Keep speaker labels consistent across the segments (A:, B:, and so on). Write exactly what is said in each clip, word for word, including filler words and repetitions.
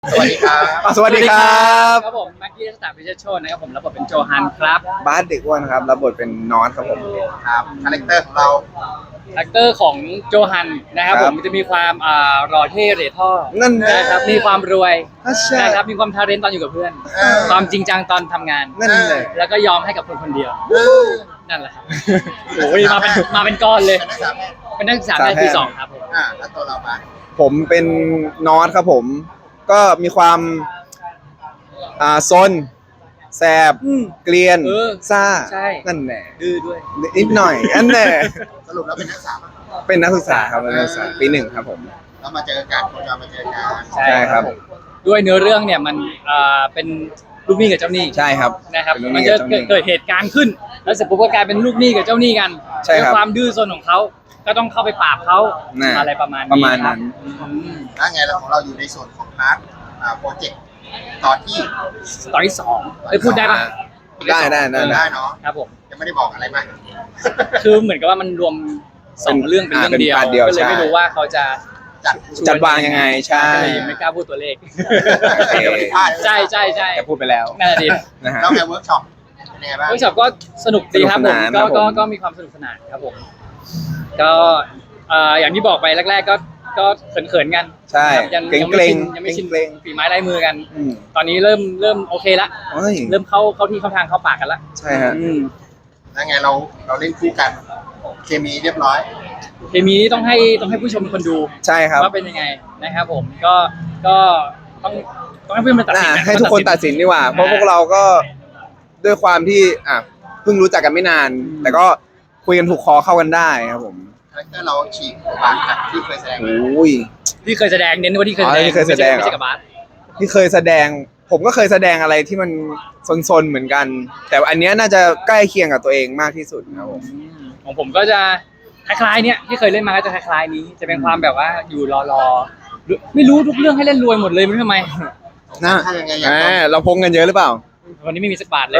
A: สวัสดีครับ
B: อ่ะสวัสดีครับ
C: ครับผมแม็กกี้สตาร์พิเชษโชนนะครับผมรับบทเป็นโจฮันครับ
B: บาสเด็กอ้วนครับรับบทเป็นนอตครับผม
A: ครับคาแรคเตอร์ของเรา
C: คาแรคเตอร์ของโจฮันนะครับ
B: ค
C: ผ
B: รับ
C: มจะมีความอ่ารอเท่เหร่ท่อ
B: นั่นแหละ
C: นะครับมีความรวย
B: อ่ะใช่
C: นะครับมีความทาเลนต์ตอนอยู่กับเพื่อน
A: เออ
C: ความจริงจังตอนทำงาน
B: นั่นแหละ
C: แล้วก็ยอมให้กับคนคนเดียว
A: เออ
C: นั่นแหละครับโอ้ยมาเป็นมาเป็นก้อนเลย
A: เป็นนักศึกษาแพทย์
C: เป็นนักศึกษาแพทย์ปีสองครับผม
A: อ่าแล้วตัวเราบ้าง
B: ผมเป็นนอตครับผม ก็มีความอ่าซนแสบ
C: อืม
B: เกลียน
C: เออ
B: ซ่า
C: ใช่
B: นั่นแหละ
C: ดื้อด้วย
B: นิดหน่อยอันแหละ
A: สรุปแล้วเป็นนักศึกษาปะ
B: เป็นนักศึกษาครับเป็นนักศึกษาปีหนึ่งครับผม
A: แล้วมาเจอกันโคจรมาเจอกัน
C: ใช่
B: ใช่ครับ
C: ผมด้วยเนื้อเรื่องเนี่ยมันอ่าเป็นลูกหนี้กับเจ้าหนี้
B: ใช่ครับ
C: นะครับ
B: เป็นลูกห
C: มัน
B: นี้
C: จะ
B: กับเจ้าหนี้
C: เกิดเหตุการณ์ขึ้น แล้วเสร็จปุ๊บก็กลายเป็นลูกหนี้กับเจ้าหนี้กัน
B: ใช่ครับ
C: ด้วยความดื้อซนของเขาก็ต้องเข้าไปปราบเขา
B: น่ะ
C: อะไรประมาณนี้
B: ประมาณนั้น
C: ครับอืม
A: แล้วไงเราของเราอยู่ในส่วนของพาร์ทอ่าโปรเจกต์ตอนที่
C: ตอนที่สองเอ้ยพูดได้ปะ
B: ได้ได้ได้
A: ได้เนาะ
C: ครับผม
A: ยังไม่ได้บอกอะไรมาก
C: คือเหมือนกับว่ามันรวมสอง
B: เป็น
C: เรื่องเป็นเรื่อง
B: อ่าเป็น
C: เดียว
B: พาร์ทเดียว
C: ก็เลย
B: ใช่
C: ไม่รู้ว่าเขาจะ
A: จัด
B: จัดวางยังไงใช่
C: ก็เลยยังไม่กล้าพูดตัวเลข
B: โอเค
C: ใช่ใช่ใช่
B: แต่พูดไปแล้ว
C: นั่นแหละดิ
B: นะฮะ
A: แล้วไงเวิร์กช็อปเป็นยังไงบ้าง
C: เวิร์กช็อปก็สนุกดีครับ
B: ส
C: ผ
B: นุก
C: ม
B: สนาน
C: ก็
B: ครับผม
C: ก็ก็มีความสนุกสนานครับผม ก็เอ่ออย่างที่บอกไปแรก ๆ ก็ก็เขินๆกัน
B: ใช่
C: ครับยัง
B: เกรง
C: ยัง
B: เก
C: ไม่
B: รง
C: ชินยังไม่ชิน
B: เกรง
C: ฝีไม้ลายมือกัน
B: อืม
C: ตอนนี้เริ่มเริ่มโอเคละ
B: เฮ้ย
C: เริ่มเข้าเข้าที่เข้าทางเข้าปากกันละ
B: ใช่ฮะ
C: อืม
A: แล้วไงเราเราเล่นคู่กัน เคมีเรียบร้อย
C: เคมีนี้ต้องให้ต้องให้ผู้ชมเป็นคนดู
B: ใช่ครับ
C: ว่าเป็นยังไงนะครับผมก็ก็ต้องต้องให้ผู้ชมเป็นตัดสิน
B: น่ะ
C: นะ
B: ให้ทุกคนตัดสินดีกว่า เพราะพวกเราก็ด้วยความที่อ่ะเพิ่งรู้จักกันไม่นาน แต่ก็คุยกันถูกคอเข้ากันได้ครับผม
A: คาแรคเตอร์เราฉีกบางจากที่เคยแสดง
B: โอ้ย
C: ที่เคยแสดงเน้นว่าที่เคยแส
B: อ๋
C: ด
B: อง ที่เคยแสดง
C: ไม่ใช่ไม่ใช่กับบาส
B: ที่เคยแสดง ผมก็เคยแสดงอะไรที่มันซนๆเหมือนกัน แต่อันเนี้ยน่าจะใกล้เคียงกับตัวเองมากที่สุดครับผม
C: ของผมก็จะคล้ายๆเนี้ยที่เคยเล่นมาก็จะคล้ายๆนี้ จะเป็นความแบบว่าอยู่รอๆไม่รู้ทุกเรื่องให้เล่นรวยหมดเลยไม่รู้ทำไม
B: นะ
A: ถ้ายังไงอยาก
B: แห
A: ลอง
B: มเราพงกันเยอะหรือเปล่า
C: วันนี้ไม่มีสักบาทเลย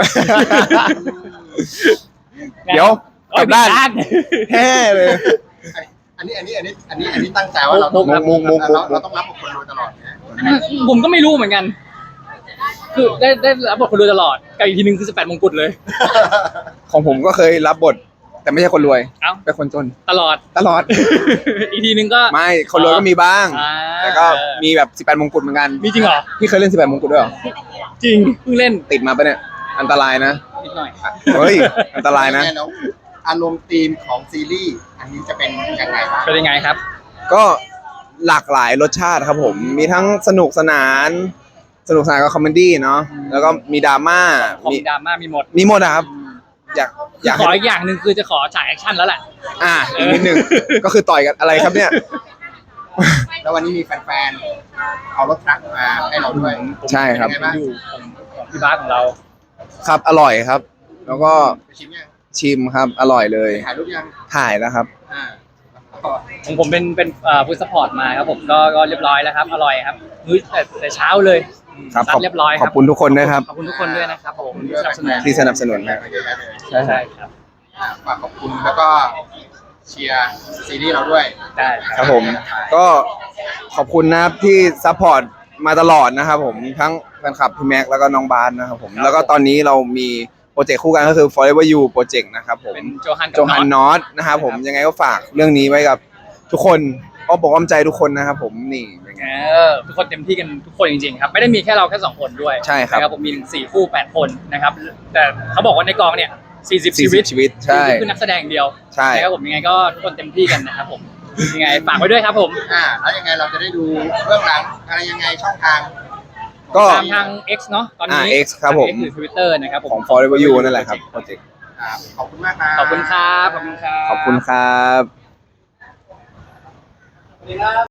B: เดี๋ยวกลับด้าน
C: เอ้ยผิ
B: แฮ่เลย
A: อันนี้อันนี้อันนี้อันนี้อันนี้ตั้งใจว่าเราต้อง
B: มุกมุกมุกมุก
A: เราเราต้องรับกับคนรวยตลอดเนี่ย
C: ผมก็ไม่รู้เหมือนกัน คือได้ได้รับบทคนรวยตลอดกับอีกทีหนึงคือสิบแปดมงกุฎเลย
B: ของผมก็เคยรับบท แต่ไม่ใช่คนรวย
C: เอ้า
B: เป็นคนจน
C: ตลอด
B: ตลอด
C: อีกทีหนึงก็
B: ไม่คนรวยก็มีบ้าง
C: อ่า
B: แต่ก็มีแบบสิบแปดมงกุฎเหมือนกัน
C: มีจริงเหรอ
B: พี่เคยเล่นสิบแปดมงกุฎด้วยเหรอ
C: จริงเพิ่งเล่น
B: ติดมาปะเนี่ย อันตรายนะ
C: นิดหน่อย
B: เฮ้ย อันตรายนะ
A: แแล้วอารมณ์ธีมของซีรีส์อันนี้จะเป็นยังไงบ้าง
C: เป็นยังไงครับ
B: ก็หลากหลายรสชาติครับผม มีทั้งสนุกสนาน สนุกสนานกับคอมเมดี้เนาะ แล้วก็มีดราม่า
C: คอม
B: มี
C: ดราม่ามีหมด
B: มีหมดอะครับ อยากอยาก
C: ขอ
B: ให้
C: อีกอย่างหนึ่งคือจะขอฉากแอคชั่นแล้วแหละ
B: อ่าอีกนิดนึง ก็คือต่อยกันอะไรครับเนี่ย
A: แล้ววันนี้มีแฟนๆเอารถทรัคมาให้เราด้วย
B: ใช่ครับ
A: เป็นยังไงบ้าง
C: อยู่ของของพี่บาสของเรา
B: ครับ อร่อยครับ แล้วก็
A: ไปชิมยัง
B: ชิมครับ อร่อยเลย
A: ถ่ายรูปยัง
B: ถ่ายแล้วครับ
A: อ่า
C: ของผมเป็นเป็นเอ่อฟู้ดซัพพอร์ตมาครับผมก็ก็เรียบร้อยแล้วครับ อร่อยครับมื้อแต่แต่เช้าเลย
B: ครับ
C: ซั
B: ข
C: ด
B: อบ
C: เรียบร้อยค
B: ข
C: รั
B: อบคุณทุกคนด้วยครับ
C: ขอบคุณทุกคนด้วยนะครับผมที่สนับสนุน
B: ที่สนับสนุนครับ
A: เยอะแยะเลย
C: ใช่ใช่ครับ
A: อ่าฝากขอบคุณแล้วก็เชียร์ซีรีส์เราด้วย
C: ได้ค
B: ครับ รับผม ก็ขอบคุณนะครับที่ซัพพอร์ตมาตลอดนะครับผม ทั้งแฟนคลับพี่แม็กแล้วก็น้องบาสนะครับผม แล้วก็ตอนนี้เรามีโปรเจกต์คู่กันก็คือ Forever You Project นะครับผม
C: เป็นโจฮันกับ
B: โจฮัน
C: น็อต
B: นอตนะครับผม ยังไงก็ฝากเรื่องนี้ไว้กับทุกคนก็บอกว่าใจทุกคนนะครับผม นี่เป็นไง
C: เออทุกคนเต็มที่กันทุกคนจริงๆครับ ไม่ได้มีแค่เราแค่สองคนด้วย
B: ใช่ครับ
C: นะผมมีถึงสี่คู่แปดคนนะครับ แต่เขาบอกว่าในกองเนี่ยสี่สิบชีวิต
B: ชีวิต ใช่
C: คือนักแสดงอย่างเดียว
B: ใช่
C: นะครับผมยังไงก็ทุกคนเต็มที่กันนะครับผมยังไงฝากไว้ด้วยครับผม
A: อ่าแล้วยังไงเราจะได้ดูเรื่องหลังอะไรยังไงช่องทาง
B: ก็
C: ตามทาง X เนาะตอนนี้
B: อ่า X ครับผม
C: ทาง X หรือ Twitter นะครับผม
B: ของ Forever You นั่นแหละครับโปรเจกต์
A: อ่าขอบคุณมากครับ
C: ขอบคุณครับขอบคุณครับ
B: ขอบคุณครับ